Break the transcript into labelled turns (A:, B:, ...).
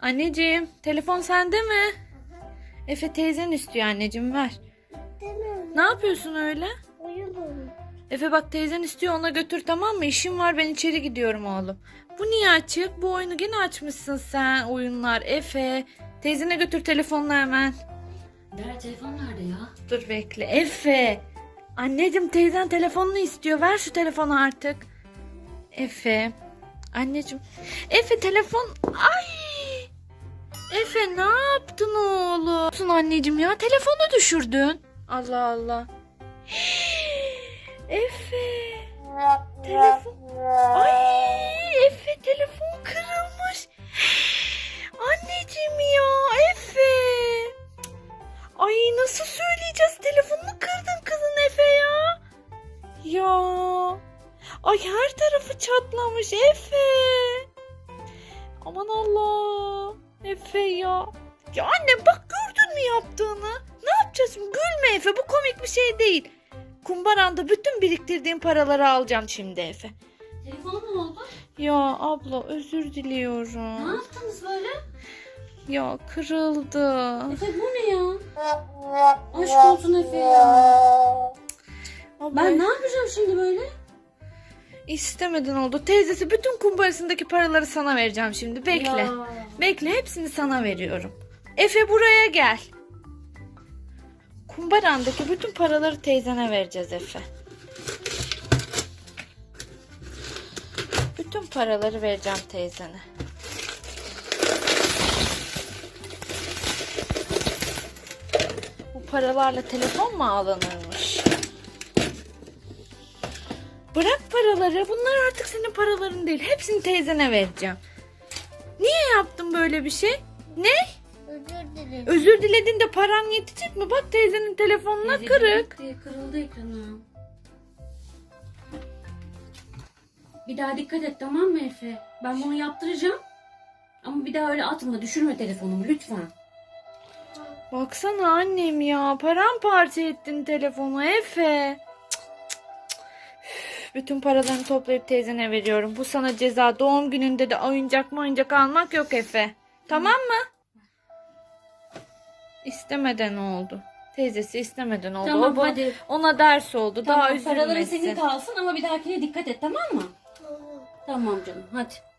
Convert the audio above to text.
A: Anneciğim, telefon sende mi? Efe teyzen istiyor anneciğim, ver. Ne yapıyorsun öyle? Efe bak, teyzen istiyor, ona götür, tamam mı? İşim var, ben içeri gidiyorum oğlum. Bu niye açık? Bu oyunu gene açmışsın sen, oyunlar. Efe, teyzene götür telefonla hemen.
B: Nerede, telefon nerede ya?
A: Dur bekle. Efe. Anneciğim, teyzen telefonunu istiyor. Ver şu telefonu artık. Efe. Anneciğim. Efe telefon. Ay. Efe ne yaptın oğlum? Anneciğim ya, telefonu düşürdün. Allah Allah. Efe. Telefon. Ay Efe, telefon kırılmış. Anneciğim ya, Efe. Ay nasıl söyleyeceğiz? Telefonunu kırdın kızın Efe ya. Ya. Ay her tarafı çatlamış Efe. Aman Allah. Efe ya. Ya annem bak, gördün mü yaptığını? Ne yapacağız şimdi? Gülme Efe, bu komik bir şey değil. Kumbaranda bütün biriktirdiğim paraları alacağım şimdi Efe.
B: Telefon ne oldu?
A: Ya abla, özür diliyorum.
B: Ne yaptınız böyle?
A: Ya kırıldı.
B: Efe bu ne ya? Aşk olsun Efe ya.
A: Abla,
B: Ben ne yapacağım şimdi böyle?
A: istemeden oldu. Teyzesi bütün kumbarasındaki paraları sana vereceğim şimdi. Bekle.
B: Ya.
A: Bekle, hepsini sana veriyorum. Efe buraya gel. Kumbarandaki bütün paraları teyzene vereceğiz Efe. Bütün paraları vereceğim teyzene. Bu paralarla telefon mu alınırmış? Bırak paraları. Bunlar artık senin paraların değil. Hepsini teyzene vereceğim. Niye yaptın böyle bir şey? Ne?
C: Özür dilerim.
A: Özür diledin de param yetecek mi? Bak, teyzenin telefonuna
B: Teyze
A: kırık.
B: gitti, kırıldı ekranı. Bir daha dikkat et, tamam mı Efe? Ben bunu yaptıracağım. Ama bir daha öyle atma, düşürme telefonumu lütfen.
A: Baksana annem ya. Paramparça ettin telefonu Efe. Cık, cık, cık. Üf, bütün paralarını toplayıp teyzene veriyorum. Bu sana ceza. Doğum gününde de oyuncak almak yok Efe. Tamam mı? İstemeden oldu. Teyzesi istemeden oldu.
B: Tamam,
A: O
B: hadi.
A: ona ders oldu.
B: Tamam,
A: Daha
B: paraların
A: üzülmesin.
B: senin kalsın ama bir dahakine dikkat et, tamam mı? Tamam canım, hadi.